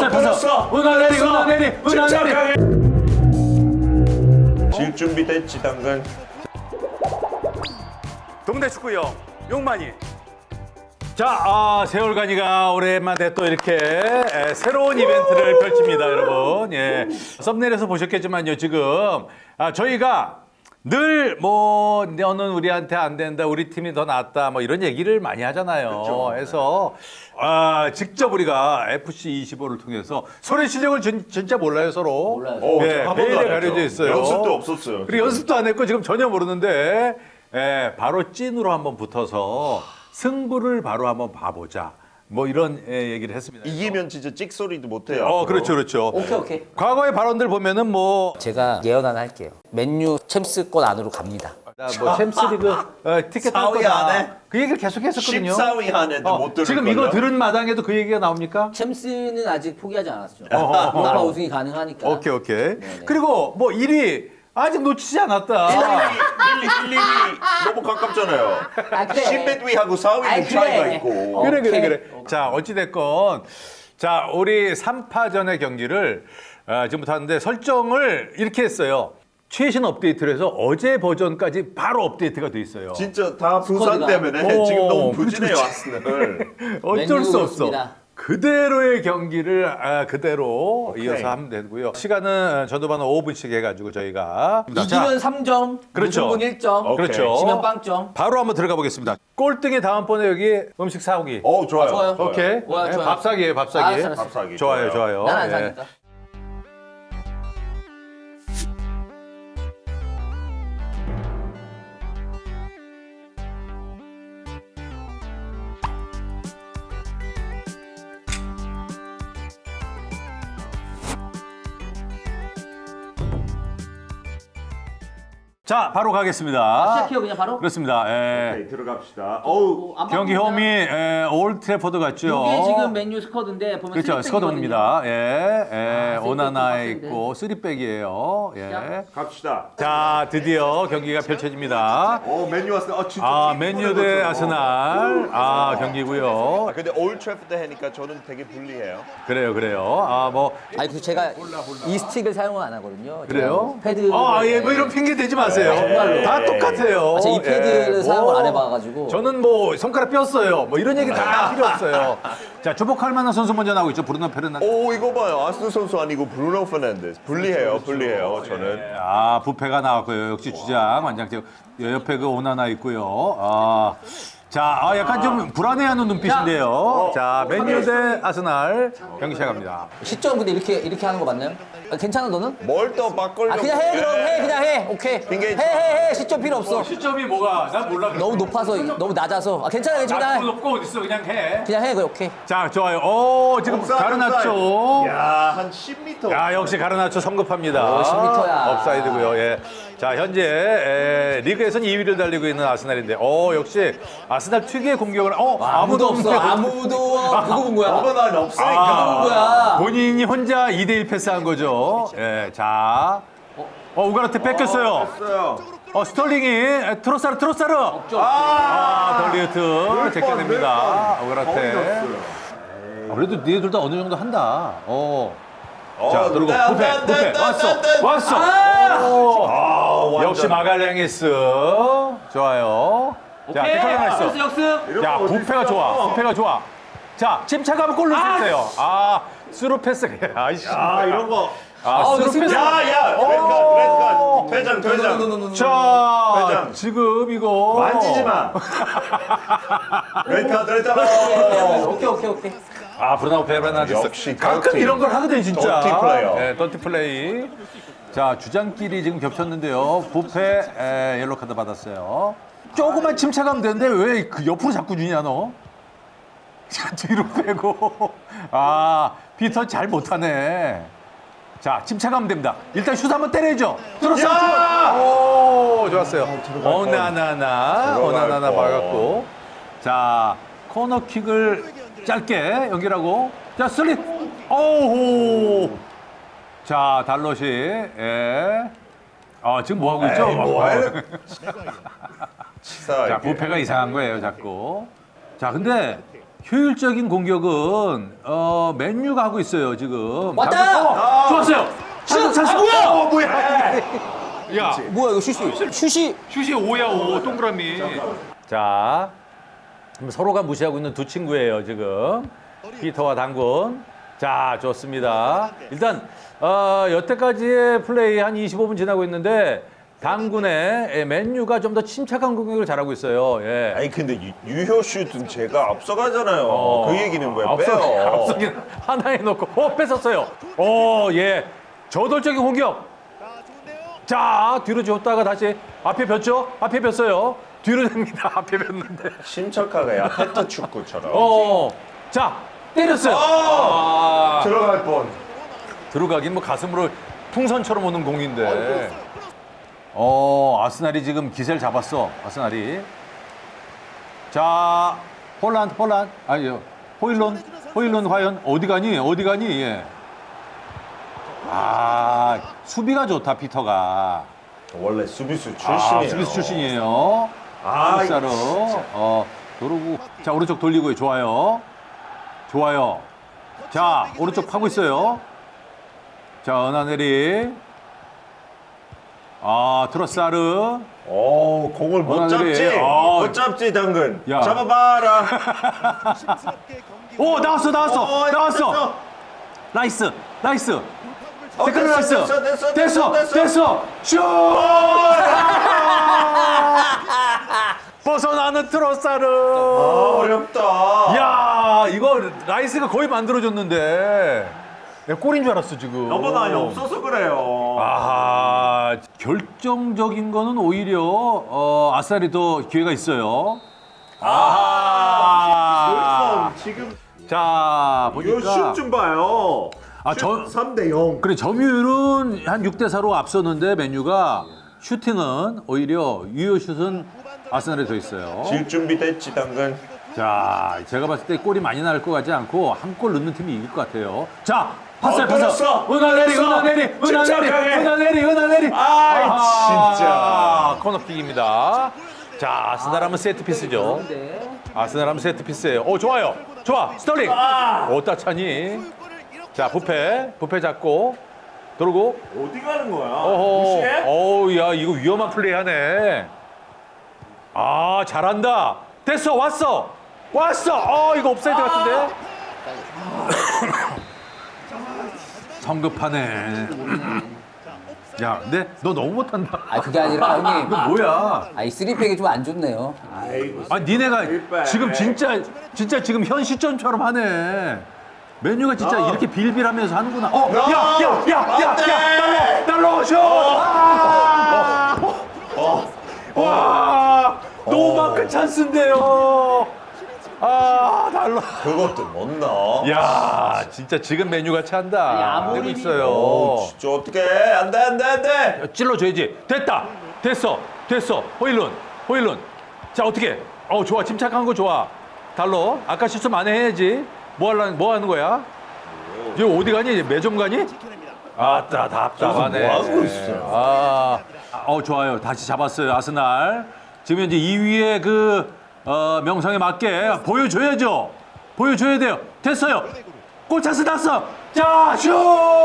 폈어. 은하내리. 질 준비 됐지 당근. 동대 축구형 용만이. 자, 세월간이가 오랜만에 또 이렇게 새로운 이벤트를 펼칩니다, 여러분. 예, 썸네일에서 보셨겠지만요, 지금 저희가 늘 뭐 너는 우리한테 안 된다, 우리 팀이 더 낫다, 뭐 이런 얘기를 많이 하잖아요. 그렇죠. 그래서 직접 우리가 FC25를 통해서 서로의 실력을 진짜 몰라요, 서로. 몰라요. 예, 한 번도 메일에 안 했죠. 가려져 있어요. 연습도 없었어요. 그리고 연습도 안 했고 지금 전혀 모르는데 바로 찐으로 한번 붙어서 승부를 바로 한번 봐보자. 뭐 이런 얘기를 했습니다. 이기면 진짜 찍소리도 못해요. 그렇죠, 그렇죠. 오케이. 과거의 발언들 보면은 뭐, 제가 예언 하나 할게요. 맨유 챔스권 안으로 갑니다. 뭐 챔스리그 티켓 탈 4위 거다. 안에? 그 얘기를 계속 했었거든요. 14위 안에도 못 들을 지금 이거 들은 마당에도 그 얘기가 나옵니까? 챔스는 아직 포기하지 않았죠. 유로파 우승이 가능하니까. 오케이. 그리고 뭐 1위 아직 놓치지 않았다. 1, 2위 너무 가깝잖아요. 아, 그래. 10위하고 4위는 아이, 그래. 차이가 있고. 그래. 자, 어찌됐건. 자, 우리 3파전의 경기를 지금부터 하는데 설정을 이렇게 했어요. 최신 업데이트를 해서 어제 버전까지 바로 업데이트가 돼 있어요. 진짜 다 부산 스쿼드가. 때문에 지금 너무 그렇지, 부진해요, 그렇지. 아스널. 어쩔 수 맨유가 없어. 없습니다. 그대로의 경기를 그대로 오케이. 이어서 하면 되고요. 시간은 전후반은 5분씩 해가지고 저희가 이기면 3점, 그렇죠. 무승분 1점, 오케이. 그렇죠. 지면 빵점. 바로 한번 들어가 보겠습니다. 꼴등이 다음번에 여기 음식 사오기. 좋아요. 좋아요. 오케이. 좋아요. 밥사기예요, 밥사기. 알았어. 밥사기. 좋아요. 난 안 예. 사니까. 자, 바로 가겠습니다. 시작해요 그냥 바로? 그렇습니다. 예. 오케이, 들어갑시다. 안 경기 바꿉니다. 홈이 올트래포드 같죠. 이게 지금 맨유 스쿼드인데 보면 그렇죠. 쓰리백이거든요. 스쿼드입니다. 쓰리백 오나나에 빡센데. 있고 쓰리백이에요. 예. 갑시다. 자, 드디어 경기가 펼쳐집니다. 맨유 아스널. 진짜 맨유 대 아스날 경기고요. 근데 올트래포드 하니까 저는 되게 불리해요. 그래요. 아니 그 제가 이 스틱을 사용을 안 하거든요. 그래요? 패드. 뭐 이런 핑계 대지 마세요. 정말로. 다 똑같아요. 제가 이 패드를 예. 사용을 안 해봐가지고. 저는 뭐 손가락 뼈었어요. 뭐 이런 얘기 다 필요 없어요. 자, 주목할 만한 선수 먼저 나오고 있죠. 브루노 페르난데스. 이거 봐요. 아스널 선수 아니고 브루노 페르난데스. 불리해요, 저는. 부페가 나왔고요. 역시 주장 완장체. 옆에 그 오나나 있고요. 약간 좀 불안해하는 눈빛인데요. 자, 맨유 대 아스날 경기 시작합니다. 시점 근데 이렇게 하는 거 맞나요? 괜찮아 너는? 뭘 또 바꾸려고. 그냥 해 그럼 해 그냥 해 오케이 핑계 해 시점 필요 없어. 시점이 뭐가? 난 몰라. 너무 높아서 너무 낮아서 괜찮아 높고 어딨어. 그냥 해. 그냥 해 오케이. 자, 좋아요. 지금 옵사이드, 가르나초. 야, 한 10m. 역시 가르나초 성급합니다. 10m 야. 업사이드고요. 예. 자, 현재 리그에서는 2위를 달리고 있는 아스날인데, 역시 아스날 특유의 공격을 아무도 없어 아무도 그거 본 거야. 난 없으니까. 뭐야? 본인이 혼자 2대1 패스한 거죠. 예. 자, 우가르테 뺏겼어요. 됐어요. 스털링이 트로사르. 덜리우트 제껴냅니다. 우가르테. 그래도 니네들 다 어느 정도 한다. 자, 그리고 부페 왔어. 역시 마갈랭이스 좋아요. 자, 데칼라 있어. 역습. 야, 부페가 좋아. 자, 침착하면 골 넣을 수 있어요. 스루 패스. 아이씨. 이런 거. 스루 패스. 야, 레드카드. 퇴장. 자, 회장. 지금 이거 만지지 마. 레드카드. 오케이. 브루노 페르난데스. 역시 가끔 더티. 이런 걸 하거든요, 진짜. 더티 플레이어. 네, 더티 플레이. 자, 주장끼리 지금 겹쳤는데요. 부페 옐로 카드 받았어요. 조금만 침착하면 되는데 왜 그 옆으로 자꾸 주냐 너? 자, 뒤로 빼고. 피터 잘 못하네. 자, 침착하면 됩니다. 일단 슛 한번 때려야죠. 들었어요. 좋았어요. 오나나나 막았고. 자, 코너킥을 짧게 연결하고. 자, 슬립. 자, 달롯이. 지금 뭐 하고 있죠? 자, 부페가 이상한 거예요, 자꾸. 자, 근데 효율적인 공격은 맨유가 하고 있어요 지금. 왔다! 좋았어요. 슛! 뭐야? 야, 뭐야 이거 슛이 슛이 5야 5 동그라미. 자, 서로가 무시하고 있는 두 친구예요 지금. 피터와 당군. 자, 좋습니다. 일단 여태까지의 플레이 한 25분 지나고 있는데 당군의 맨유가 좀 더 침착한 공격을 잘하고 있어요. 예. 아니 근데 유효 슛은 제가 앞서가잖아요. 그 얘기는 왜 빼요? 앞서긴 하나에 놓고 뺏었어요. 예. 저돌적인 공격. 자, 뒤로 줬다가 다시 앞에 폈죠? 앞에 폈어요. 뒤로 됩니다. 앞에 폈는데. 침착하게 야 페트 축구처럼. 자, 때렸어요. 들어갈 뻔. 들어가긴 뭐 가슴으로 풍선처럼 오는 공인데. 아스날이 지금 기세를 잡았어. 아스날이. 자, 폴란드. 아니요. 호일론 과연 어디 가니? 예. 수비가 좋다, 피터가. 원래 수비수 출신이에요. 수비수 출신이에요. 풋사로. 도루구. 자, 오른쪽 돌리고요. 좋아요. 자, 오른쪽 파고 있어요. 자, 은하네리. 트로사르. 공을 못 원하늘이, 잡지. 못 잡지 당근. 야. 잡아봐라. 나왔어. 나이스. 태클 나이스. 됐어. 슛! 벗어나는 트로사르. 어렵다. 야, 이거 라이스가 거의 만들어줬는데. 내가 골인 줄 알았어 지금. 넘어다니 없어서 그래요. 결정적인 거는 오히려 아스날이 더 기회가 있어요. 지금 자, 이거 보니까 슛좀 봐요. 아, 저 3대 0. 그래 점유율은 한 6대 4로 앞섰는데 맨유가 슈팅은 오히려 유효 슛은 아스날에 더 있어요. 질 준비 됐지 당근. 자, 제가 봤을 때 골이 많이 날 것 같지 않고 한 골 넣는 팀이 이길 것 같아요. 자, 파스. 끊었어. 은하내리. 진짜. 코너킥입니다. 자, 아스날 하면 세트피스죠. 아스날 하면 세트피스예요. 좋아. 스털링. 따차니. 자, 부페 잡고 돌고. 어디 가는 거야? 무시해? 야, 이거 위험한 플레이 하네. 잘한다. 됐어, 왔어. 이거 옵사이드 같은데? 성급하네. 야, 근데 너 너무 못한다. 그게 아니라 형님. 이거 뭐야? 이 3팩이 좀 안 좋네요. 니네가 지금 진짜 지금 현 시점처럼 하네. 메뉴가 진짜 이렇게 빌빌하면서 하는구나. 달러 슛! 와, 노마크 찬스인데요. 달러. 그것도 못 넣어. 야, 진짜 지금 메뉴가 찬다. 되고 있어요. 진짜 어떡해. 안돼. 찔러줘야지. 됐어. 호일론. 자, 어떻게? 좋아. 침착한 거 좋아. 달러. 아까 실수 안 해야지. 뭐 하는 거야? 이제 어디 가니? 매점 가니? 답답하네. 뭐 하고 있어요? 좋아요. 다시 잡았어요. 아스날. 지금 현재 2위의 명성에 맞게 보여줘야죠. 보여줘야 돼요. 됐어요. 골 찬스 났어. 자, 슛!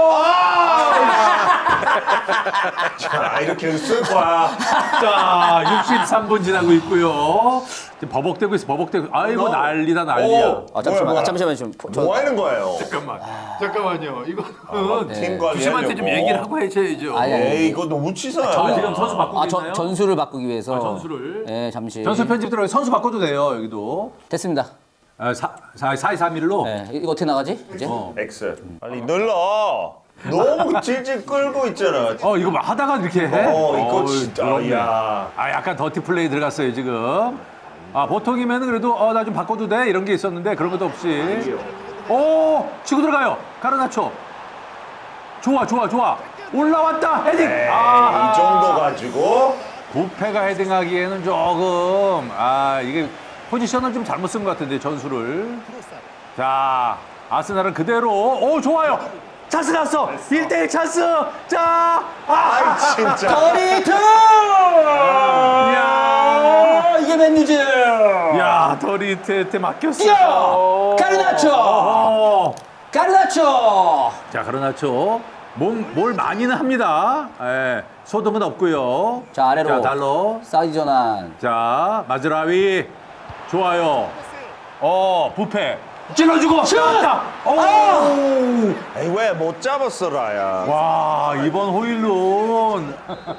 자, 이렇게 쓸 거야. 자, 63분 지나고 있고요. 지금 버벅대고 있어. 아이고, 난리야. 잠시만요. 뭐 하는 거예요? 잠깐만요. 이거는 팀 관리하려고. 주심한테 좀 얘기를 하고 해줘야죠. 에이, 이거 너무 치사해. 지금 선수 바꾸고 있나요? 전술을 바꾸기 위해서. 전술을. 네, 잠시. 전술 편집 들어가 선수 바꿔도 돼요. 여기도. 됐습니다. 4-2-3-1로. 네, 이거 어떻게 나가지? 이제? X. 빨리 눌러. 너무 질질 끌고 있잖아. 이거 막 하다가 이렇게 해? 이거 진짜. 더럽네. 야. 약간 더티 플레이 들어갔어요, 지금. 보통이면 그래도 나 좀 바꿔도 돼? 이런 게 있었는데 그런 것도 없이. 치고 들어가요. 가르나초. 좋아. 올라왔다. 헤딩. 이 정도 가지고. 부페가 헤딩하기에는 조금 이게 포지션을 좀 잘못 쓴 것 같은데 전술을. 자, 아스날은 그대로. 좋아요. 찬스 났어. 1대1 찬스. 자, 진짜. 더리트! 야, 이게 맨유즈. 야, 더리트한테 맡겼어. 뛰어! 가르나초! 가르나초! 자, 가르나초. 뭘 많이는 합니다. 예, 소동은 없고요. 자, 아래로. 자, 달러. 사이드 전환. 자, 마즈라위. 좋아요. 부페. 찔러주고. 슛! 에이, 왜 못 잡았어, 라야? 와, 이번 호일론.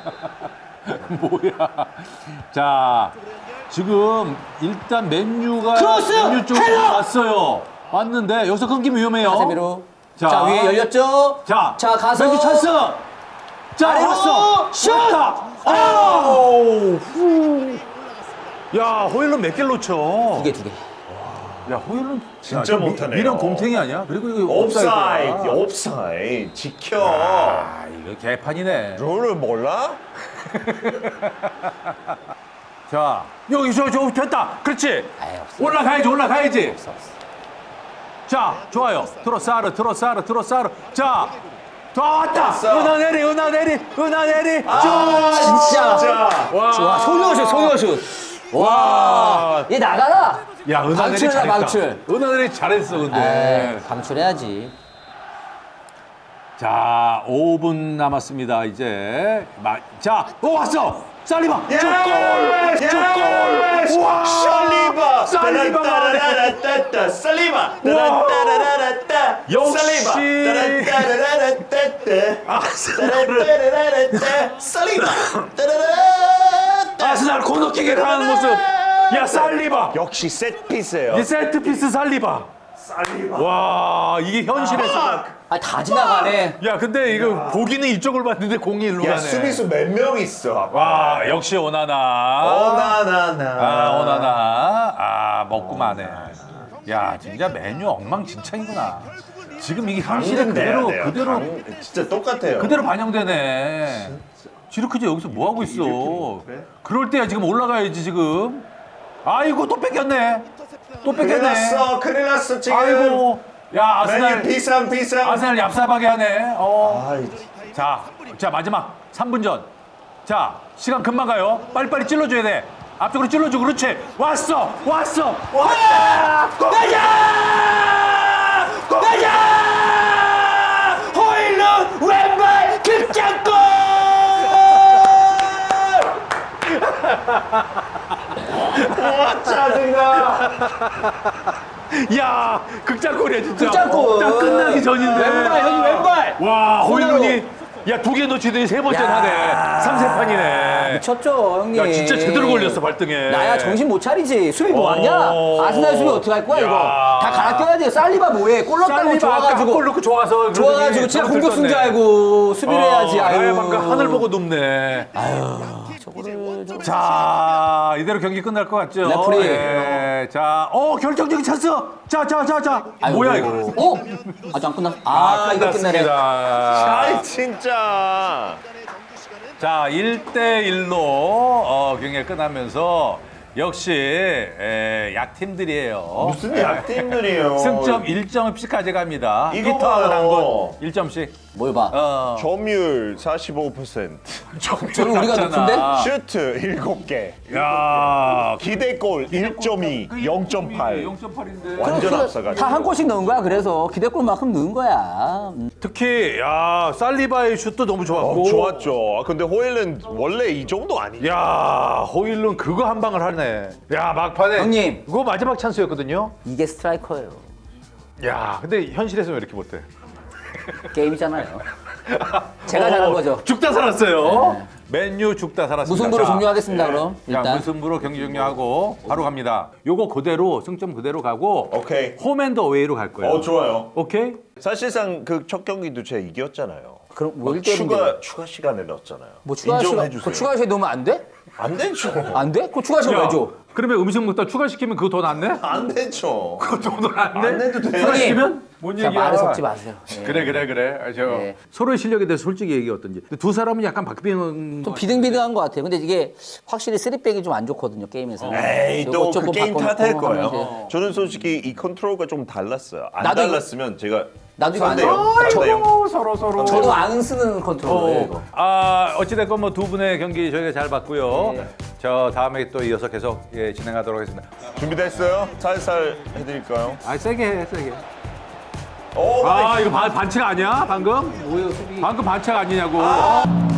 뭐야. 자, 지금 일단 맨유 쪽으로 헤더! 왔어요. 왔는데 여기서 끊기면 위험해요. 카세미로. 자, 자, 위에 열렸죠? 자, 가서. 맨유 찬스. 자, 아래로 왔어. 슛! 왔다. 아우. 야, 호일론 몇 개를 놓쳐? 두 개. 야, 호일론 진짜 못하네요. 미련 곰탱이 아니야? 그리고 이거 옵사이드, 옵사이드야. 옵사이드. 지켜. 아, 이거 개판이네. 룰을 몰라? 자, 여기 저 됐다. 그렇지. 아이, 없어. 올라가야지. 없어. 자, 좋아요. 트로사르. 자, 왔다. 왔어. 은하내리. 진짜. 와. 좋아. 소녀슛. 와. 얘 나가라. 야, 은하내리 방출이다, 잘했다. 방출. 은하내리 잘했어, 근데. 에이, 방출해야지. 자, 5분 남았습니다. 이제. 자, 왔어. 살리바. 예! 족골. 와. 살리바. 살리바가 따라따라따따. 살리바. 따라따라따따. 역시. 살리바. 따라따라따따. 따라따라따따. 살리바. 따라따라따. 아스날 코너킥에 강한 모습. 야, 살리바. 역시 세트피스예요. 이 세트피스 살리바. 와, 이게 현실에서. 다 지나가네. 야, 근데 이거 보기는 이쪽을 봤는데 공이 일로 야, 가네. 수비수 몇 명 있어? 와, 역시 오나나. 오나나나. 오나나. 먹고 마네. 야, 진짜 메뉴 엉망진창이구나. 지금 이게 현실에 그대로 진짜 똑같아요. 그대로 반영되네. 지르크지 여기서 뭐 하고 있어? 그럴 때야 지금 올라가야지 지금. 아이고 또 뺏겼네. 큰일 났어 지금. 아이고. 야, 메뉴 아스날 비상. 아스날 얍삽하게 하네. 아이, 자, 마지막 3분 전. 자, 시간 금방 가요. 빨리빨리 찔러줘야 돼. 앞쪽으로 찔러줘. 그렇지. 왔어. 가자! 호일론 왼발 극장골! 와, 짜증나. 야, 극장골이야 진짜. 극장골. 딱 끝나기 전인데. 왼발, 형님 왼발. 와, 손으로. 호일론이 야, 2개 놓치더니 3번째 야. 하네. 3세판이네. 미쳤죠, 형님. 야, 진짜 제대로 걸렸어, 발등에. 나야 정신 못 차리지. 수비 뭐 하냐? 아스날 수비 어떻게 할 거야, 야. 이거? 다 갈아 껴야 돼. 살리바 뭐해? 골 넣었다고 좋아가지고. 골 넣고 좋아서. 좋아가지고 진짜 공격수인 줄 알고 수비를 해야지. 아유. 방금 하늘 보고 눕네. 저거를 좀. 자, 이대로 경기 끝날 것 같죠? 레프리. 네, 자, 결정적인 찬스. 자. 아이고. 뭐야 이거? 아직 안 끝났어. 이거 끝나네. 아이, 진짜. 자, 1대1로 경기가 끝나면서 역시 약팀들이에요. 무슨 약팀들이에요. 승점 1점씩 가져갑니다. 이거 피터하고 봐요. 한곳 1점씩. 뭘 봐. 점유율 45%. 저는 우리가 높은데? 슈트 7개. 야, 기대골 1.2, 0.8. 0.8인데. 완전 앞서가지고. 다 한 골씩 넣은 거야. 그래서 기대골만큼 넣은 거야. 특히 살리바의 슛도 너무 좋았고. 좋았죠. 근데 호일은 원래 이 정도 아니죠. 야, 호일론 그거 한 방을 하네. 야, 막판에. 형님. 그거 마지막 찬스였거든요. 이게 스트라이커예요. 야, 근데 현실에서 왜 이렇게 못해? 게임이잖아요. 제가 잘한 거죠. 죽다 살았어요. 네. 맨유 죽다 살았습니다. 무승부로 자, 종료하겠습니다. 그럼 자, 일단. 무승부로 경기 종료하고 바로 갑니다. 요거 그대로 승점 그대로 가고 오케이. 홈앤더 어웨이로 갈 거예요. 좋아요. 오케이? 사실상 그 첫 경기도 제가 이겼잖아요. 그럼 뭐 막 1대1인데. 추가 시간에 넣었잖아요. 뭐 추가 시간. 인정해 주세요. 그 추가 시간 넣으면 안 돼? 안 되죠. 안 돼? 그 추가 시간 왜 줘? 그러면 음식 먹다 추가시키면 그거 돈 안 내? 안 되죠. 돈안 내? 안 내도 돼요. 추가시키면? 뭔 자, 얘기야? 말을 섞지 마세요. 예. 그래. 네. 서로의 실력에 대해서 솔직히 얘기 어떤지. 근데 두 사람은 약간 박빙은 좀 비등비등한 것 같아요. 근데 이게 확실히 3백이 좀 안 좋거든요, 게임에서. 에이, 또 그 게임 탓할 거예요. 하면서. 저는 솔직히 이 컨트롤가 좀 달랐어요. 안 나도 이거- 달랐으면 제가 나도 이거 안 3대 해요. 0, 3대 0. 서로. 저도 안 쓰는 컨트롤이에요, 이거. 어찌됐건 뭐 두 분의 경기 저희가 잘 봤고요. 네. 저 다음에 또 이어서 계속 예, 진행하도록 하겠습니다. 준비됐어요? 살살 해드릴까요? 아 세게 해 세게. 오, 아 이거 반칙 아니야 방금? 뭐예요 수비? 방금 반칙 아니냐고.